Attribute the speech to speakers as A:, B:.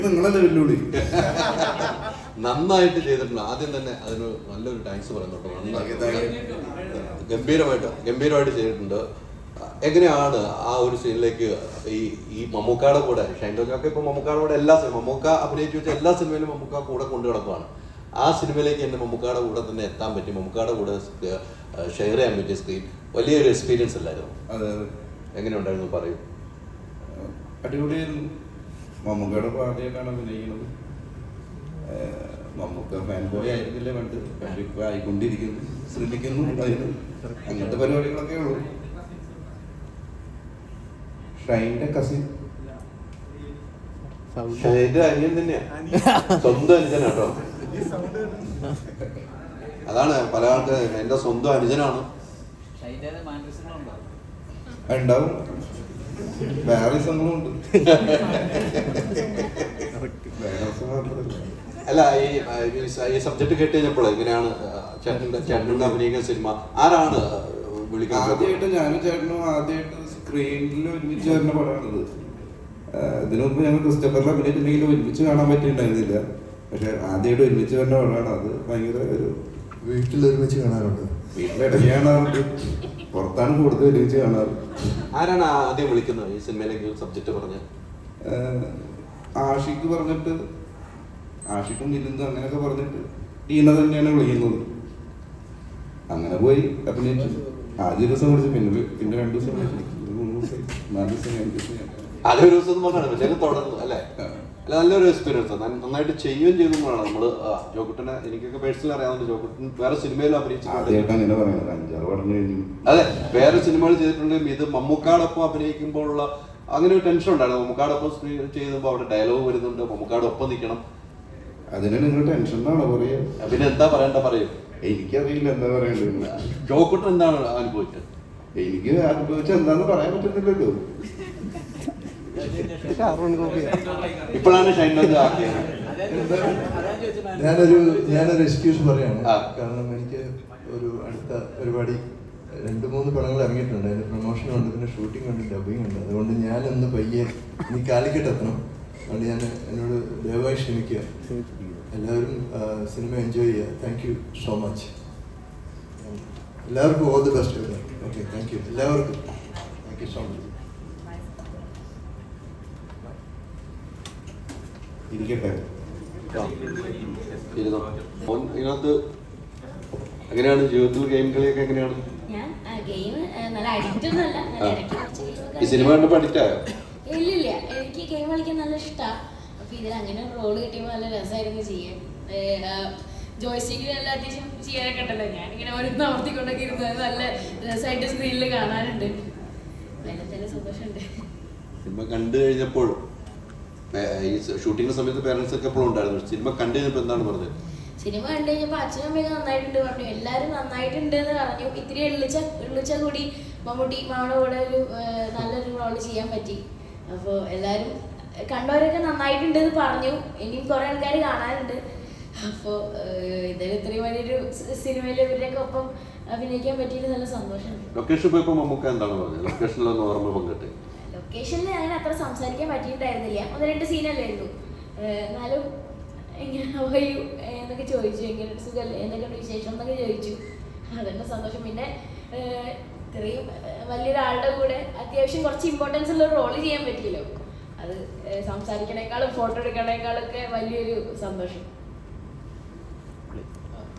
A: നിങ്ങളല്ലേ വെല്ലുവിളി.
B: നന്നായിട്ട് ചെയ്തിട്ടുണ്ട്. ആദ്യം തന്നെ അതിന് നല്ലൊരു താങ്ക്സ് പറയുന്നുണ്ട്. ഗംഭീരമായിട്ട് ചെയ്തിട്ടുണ്ട്. എങ്ങനെയാണ് ആ ഒരു സീനിലേക്ക് ഈ മമ്മൂക്കയുടെ കൂടെ ഷൈൻ ടോജൊക്കെ ഇപ്പോൾ മമ്മൂക്കയുടെ കൂടെ മമ്മൂക്ക അഭിനയിച്ചു വെച്ച എല്ലാ സിനിമയിലും മമ്മൂക്ക കൂടെ കൊണ്ടു കിടക്കുകയാണ്. ആ സിനിമയിലേക്ക് എന്നെ മമ്മൂക്കയുടെ കൂടെ തന്നെ എത്താൻ പറ്റി, മമ്മൂക്കയുടെ കൂടെ ഷെയർ ചെയ്യാൻ പറ്റിയ സ്ക്രീൻ വലിയൊരു എക്സ്പീരിയൻസ് അല്ലായിരുന്നു?
A: അതെ.
B: എങ്ങനെയുണ്ടായിരുന്നു പറയൂ.
A: അടിപൊളിയായിരുന്നു. മമ്മൂക്കയുടെ പാടിയായിട്ടാണ് അഭിനയിക്കുന്നത്. മമ്മൂക്ക ഫാൻ ബോയ് ആയിരുന്നില്ലേ പണ്ട്, ഇപ്പൊ ആയിക്കൊണ്ടിരിക്കുന്നു, ശ്രമിക്കുന്നു. അതിന് അങ്ങനത്തെ പരിപാടികളൊക്കെ ഉള്ളൂ. ഷൈൻ്റെ കസിൻ
B: അനിയൻ തന്നെയാ, സ്വന്തം അനുജനാട്ടോ. അതാണ് പല ആൾക്ക് എന്റെ സ്വന്തം അനുജനാണ്.
A: ഉണ്ടാവും, വേറെ സംഭവം ഉണ്ട്.
B: അല്ല, ഈ സബ്ജക്ട് കേട്ട് കഴിഞ്ഞപ്പോൾ എങ്ങനെയാണ് ചേട്ടൻ്റെ അഭിനയിക്കുന്ന സിനിമ ആരാണ് വിളിക്കുന്നത്?
A: ആദ്യമായിട്ട് ഞാനും ചേട്ടനും ആദ്യമായിട്ട് സ്ക്രീനിൽ ഒരുമിച്ച് വരുന്ന പടമാണിത്. ഇതിനു മുമ്പ് ഞങ്ങൾ ക്രിസ്റ്റഫറിൽ അഭിനയിച്ചിട്ടുണ്ടെങ്കിൽ ഒരുമിച്ച് കാണാൻ പറ്റിയിട്ടുണ്ടായിരുന്നില്ല. പക്ഷെ ആദ്യമായിട്ട് ഒരുമിച്ച് വരുന്ന പടമാണ്. അത് ഭയങ്കര ഒരു
C: വീട്ടിൽ ഒരുമിച്ച് കാണാറുണ്ട്,
A: വീട്ടിലിടയ്ക്ക് കാണാറുണ്ട്, പുറത്താണ് കൂടുതൽ ഒരുമിച്ച് കാണാറ്.
B: ആരാണ് ആദ്യം വിളിക്കുന്നത് ഈ സിനിമയിലേക്ക് സബ്ജക്ട് പറഞ്ഞ?
A: ആഷിക്ക് പറഞ്ഞിട്ട്, ആഷിക്കും മിലിന്ദും അങ്ങനെയൊക്കെ പറഞ്ഞിട്ട് ടീന തന്നെയാണ് വിളിക്കുന്നത്. അങ്ങനെ പോയി അഭിനയിച്ചു. ആദ്യ ദിവസം വിളിച്ചു, പിന്നെ 2 ദിവസം വിളിച്ചു, 3 ദിവസം, 4 ദിവസം, 5 ദിവസം.
B: ആദ്യ ഒരു ദിവസം പറഞ്ഞാണ് പിന്നെ തുടർന്നു അല്ലേ? അല്ല, നല്ലൊരു എക്സ്പീരിയൻസ്. നന്നായിട്ട് ചെയ്യുകയും ചെയ്തെന്നാണ് നമ്മള്. ജോക്കുട്ടനെ എനിക്കൊക്കെ പേഴ്സണലി അറിയാവുന്ന. ജോക്കുട്ടൻ വേറെ സിനിമയിലും അഭിനയിച്ചിട്ടുണ്ട്.
A: അങ്ങനെ പറയുന്നത് 5-6 പടം കഴിഞ്ഞു.
B: അതെ, വേറെ സിനിമകൾ ചെയ്തിട്ടുണ്ടെങ്കിൽ ഇത് മമ്മൂക്കാടൊപ്പം അഭിനയിക്കുമ്പോഴുള്ള അങ്ങനെ ഒരു ടെൻഷൻ ഉണ്ടായിരുന്നു. മമ്മൂക്കാടൊപ്പം സ്ക്രീൻ ചെയ്യുമ്പോൾ അവിടെ ഡയലോഗ് വരുന്നുണ്ട്, മമ്മൂക്കാടൊപ്പം നിൽക്കണം.
A: അതിന് നിങ്ങൾ ടെൻഷൻ എന്നാണോ പറയുക?
B: പിന്നെ എന്താ പറയും?
A: എനിക്കറിയില്ല എന്താ പറയണ്ടത്.
B: ജോക്കുട്ടൻ എന്താണ് അനുഭവിച്ചത്?
A: എനിക്ക് അനുഭവിച്ച എന്താന്ന് പറയാൻ പറ്റുന്നില്ലല്ലോ.
B: ഇപ്പോഴാണ് ഷൈൻ ടോജ് ആക്കിയത്.
C: ഞാനൊരു എക്സ്ക്യൂസ് പറയാണ്. കാരണം എനിക്ക് ഒരു അടുത്ത പരിപാടി 2-3 പടങ്ങൾ ഇറങ്ങിയിട്ടുണ്ട്. അതിന്റെ പ്രൊമോഷൻ ഉണ്ട്, പിന്നെ ഷൂട്ടിംഗ് ഉണ്ട്, ഡബിങ് ഉണ്ട്. അതുകൊണ്ട് ഞാനൊന്ന് പയ്യെ ഇനി കാലിക്കട്ട് എത്തണം. അതുകൊണ്ട് ഞാൻ എന്നോട് ദയവായി ക്ഷമിക്കുക. എല്ലാവരും സിനിമ എൻജോയ് ചെയ്യുക. Thank you so much. എല്ലാവർക്കും all the best. Okay, thank you എല്ലാവർക്കും. Thank you so much.
A: ഇരിക്കട്ടെ.
B: ഇതിനകത്ത് എങ്ങനെയാണ് ജീവിതത്തിൽ ഗെയിം കളിയൊക്കെ എങ്ങനെയാണ്? ഈ സിനിമ കണ്ടപ്പോൾ അഡിക്റ്റ് ആയോ?
D: ഇല്ലില്ല, എനിക്ക് ഗെയിം കളിക്കാൻ നല്ല ഇഷ്ടമാണ്. അപ്പൊ ഇതിൽ അങ്ങനെ ഒരു റോള് കിട്ടിയപ്പോൾ നല്ല രസമായിരുന്നു ചെയ്യാൻ. ജോയ്സ്റ്റിക്കിൽ നല്ല അത്യാവശ്യം ചെയ്യാനൊക്കെ ഉണ്ടല്ലോ. ഞാനിങ്ങനെ ഓരോന്ന് അമർത്തിക്കൊണ്ടൊക്കെ ഇരുന്നത് നല്ല രസമായിട്ട് സ്ക്രീനിൽ കാണാനുണ്ട്. അതിൽ തന്നെ സന്തോഷമുണ്ട്.
B: സിനിമ കണ്ടു കഴിഞ്ഞപ്പോൾ ഈ ഷൂട്ടിംഗ് സമയത്ത് പേരൻസ് ഒക്കെ എപ്പോഴും ഉണ്ടായിരുന്നു. സിനിമ കണ്ടു കഴിഞ്ഞപ്പോൾ എന്താണ് പറഞ്ഞത്?
D: സിനിമ കണ്ടു കഴിഞ്ഞപ്പോൾ അച്ഛനും അമ്മയൊക്കെ നന്നായിട്ടുണ്ട് പറഞ്ഞു. എല്ലാവരും നന്നായിട്ടുണ്ട് എന്ന് പറഞ്ഞു. ഇത്തിരി എള്ളിച്ച കൂടി മമ്മൂട്ടി മാമയുടെ കൂടെ ഒരു നല്ലൊരു റോള് ചെയ്യാൻ പറ്റി. അപ്പോൾ എല്ലാവരും കണ്ടവരൊക്കെ നന്നായിട്ടുണ്ട് എന്ന് പറഞ്ഞു. ഇനിയും കുറേ ആൾക്കാർ കാണാനുണ്ട്. അപ്പോൾ ഇതായാലും ഇത്രയും വലിയൊരു സിനിമയിൽ ഇവരുടെയൊക്കെ ഒപ്പം അഭിനയിക്കാൻ പറ്റിയിട്ട് നല്ല സന്തോഷമുണ്ട്.
B: ലൊക്കേഷൻ പോയപ്പോൾ മമ്മൂക്ക എന്താണ് പറഞ്ഞത്? ലൊക്കേഷനിലൊന്ന് ഓർമ്മ പങ്കിട്ടെ.
D: ലൊക്കേഷനിൽ അങ്ങനെ അത്ര സംസാരിക്കാൻ പറ്റിയിട്ടുണ്ടായിരുന്നില്ല. 1-2 സീനല്ലേ ഉള്ളൂ. എന്നാലും എങ്ങനെ എന്നൊക്കെ ചോദിച്ചു, എങ്ങനെ സുഖമല്ലേ, എന്തൊക്കെയാണ് വിശേഷം എന്നൊക്കെ ചോദിച്ചു. അതെന്നെ സന്തോഷം. പിന്നെ ഇത്രയും വലിയൊരാളുടെ കൂടെ അത്യാവശ്യം കുറച്ച് ഇമ്പോർട്ടൻസ് ഉള്ള റോള് ചെയ്യാൻ പറ്റിയല്ലോ. അത് സംസാരിക്കണേക്കാളും ഫോട്ടോ എടുക്കണേക്കാളും ഒക്കെ വലിയൊരു സന്തോഷം.